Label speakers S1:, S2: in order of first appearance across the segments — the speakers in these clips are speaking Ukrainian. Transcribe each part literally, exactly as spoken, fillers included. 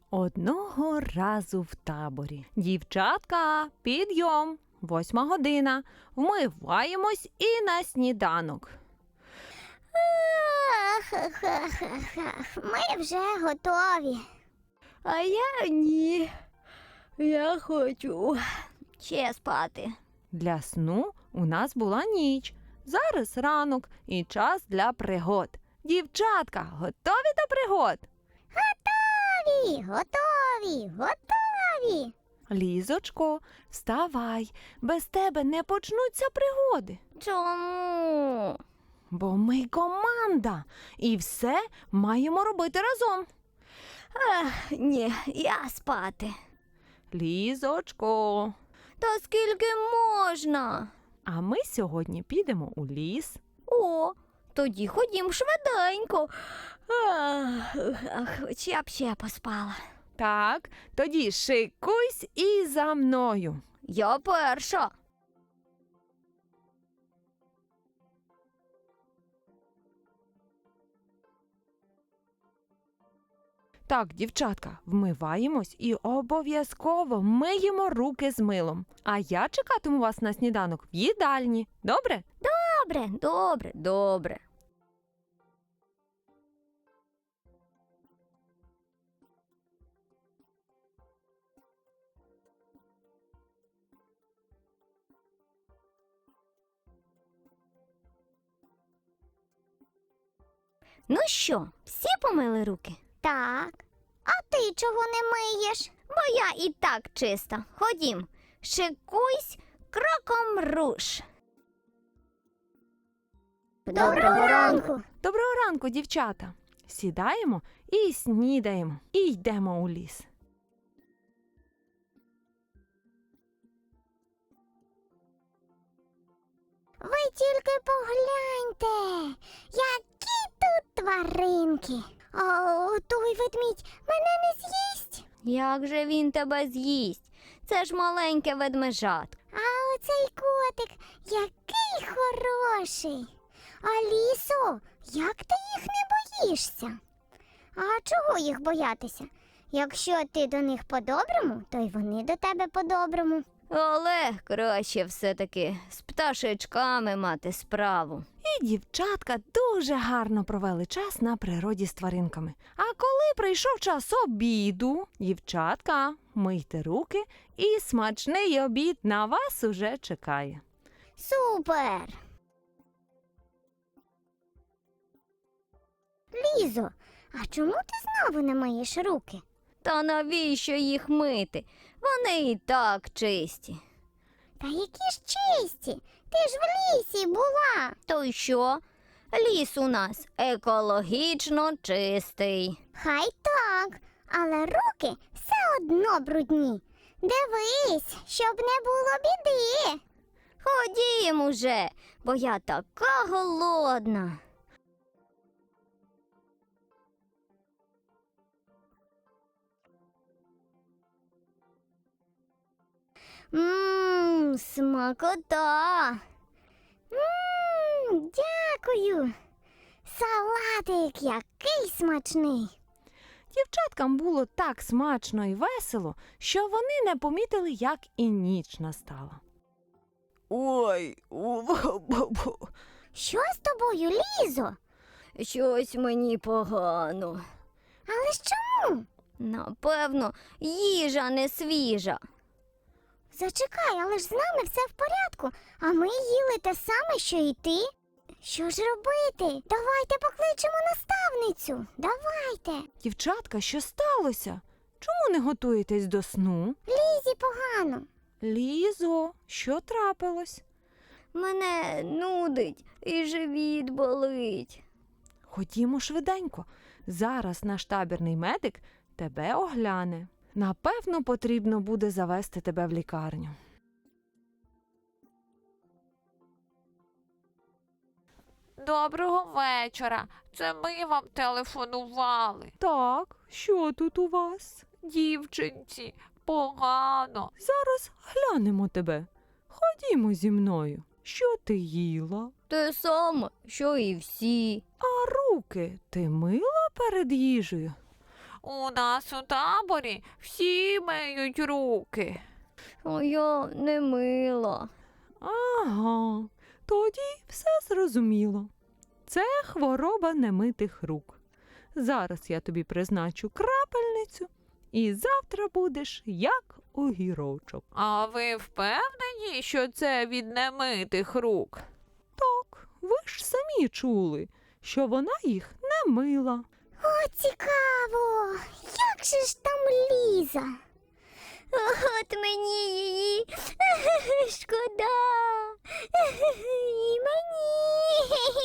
S1: Одного разу в таборі. Дівчатка, підйом, восьма година. Вмиваємось і на сніданок.
S2: Ми вже готові.
S3: А я ні. Я хочу ще спати.
S1: Для сну у нас була ніч. Зараз ранок і час для пригод. Дівчатка, готові до пригод?
S2: Готові, готові, готові.
S1: Лізочко, вставай, без тебе не почнуться пригоди.
S3: Чому?
S1: Бо ми команда і все маємо робити разом.
S3: Ах, ні, я спати.
S1: Лізочко,
S3: Та скільки можна?
S1: а ми сьогодні підемо у ліс.
S3: О, тоді ходім швиденько. Ах, ах, хоч я б ще поспала.
S1: Так, тоді шикуйсь і за мною.
S3: Я перша.
S1: Так, дівчатка, вмиваємось і обов'язково миємо руки з милом. А я чекатиму вас на сніданок в їдальні. Добре?
S3: Добре, добре, добре. Ну що, всі помили руки?
S2: Так. А ти чого не миєш?
S3: Бо я і так чиста. Ходім, шикуйсь, кроком руш.
S2: Доброго ранку.
S1: Доброго ранку, дівчата. Сідаємо і снідаємо. І йдемо у ліс.
S2: Ви тільки погляньте, які тут тваринки. О, той ведмідь мене не з'їсть.
S3: Як же він тебе з'їсть? Це ж маленьке ведмежатко.
S2: А оцей котик, який хороший. А лісо, як ти їх не боїшся? А чого їх боятися? Якщо ти до них по-доброму, то й вони до тебе по-доброму.
S3: Але краще все-таки з пташечками мати справу.
S1: І дівчатка дуже гарно провели час на природі з тваринками. А коли прийшов час обіду, дівчатка, мийте руки і смачний обід на вас уже чекає.
S2: Супер! Лізо, а чому ти знову не миєш руки?
S3: Та навіщо їх мити? Вони і так чисті.
S2: Та які ж чисті! Ти ж в лісі була.
S3: То й що? Ліс у нас екологічно чистий.
S2: Хай так, але руки все одно брудні. Дивись, щоб не було біди.
S3: Ходім уже, бо я така голодна.
S2: Ммм, смакота. Ммм, дякую. Салатик який смачний.
S1: Дівчаткам було так смачно і весело, що вони не помітили, як і ніч настала. Ой,
S2: Що з тобою, Лізо?
S3: Щось мені погано.
S2: Але ж чому?
S3: Напевно, їжа не свіжа.
S2: Зачекай, але ж з нами все в порядку, а ми їли те саме, що і ти. Що ж робити? Давайте покличемо наставницю. Давайте.
S1: дівчатка, що сталося? Чому не готуєтесь до сну?
S2: Лізі погано.
S1: Лізо, що трапилось?
S3: Мене нудить і живіт болить.
S1: Ходімо швиденько. Зараз наш табірний медик тебе огляне. Напевно, потрібно буде завести тебе в лікарню.
S4: Доброго вечора. Це ми вам телефонували.
S1: Так, що тут у вас?
S4: Дівчинці, погано.
S1: Зараз глянемо тебе. Ходімо зі мною. Що ти їла?
S3: Те саме, що і всі.
S1: А руки ти мила перед їжею?
S4: У нас у таборі всі миють руки.
S3: А я не мила.
S1: Ага, тоді все зрозуміло. Це хвороба немитих рук. Зараз я тобі призначу крапельницю, і завтра будеш як огірочок.
S4: А ви впевнені, що це від немитих рук?
S1: Так, ви ж самі чули, що вона їх не мила.
S2: О, цікаво! Як же ж там Ліза?
S3: От мені її шкода. І мені.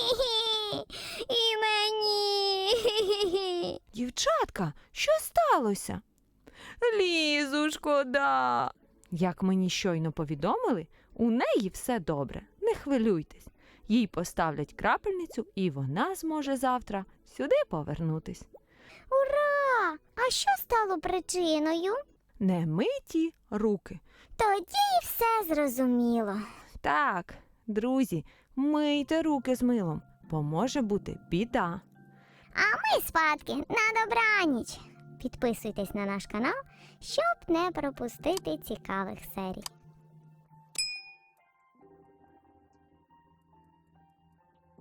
S3: І мені.
S1: Дівчатка, що сталося? Лізу шкода. Як мені щойно повідомили, у неї все добре, не хвилюйтесь. Їй поставлять крапельницю, і вона зможе завтра сюди повернутись.
S2: Ура! А що стало причиною?
S1: Немиті руки.
S2: Тоді все зрозуміло.
S1: Так, друзі, мийте руки з милом, бо може бути біда.
S2: А ми спадки на добраніч. Підписуйтесь на наш канал, щоб не пропустити цікавих серій.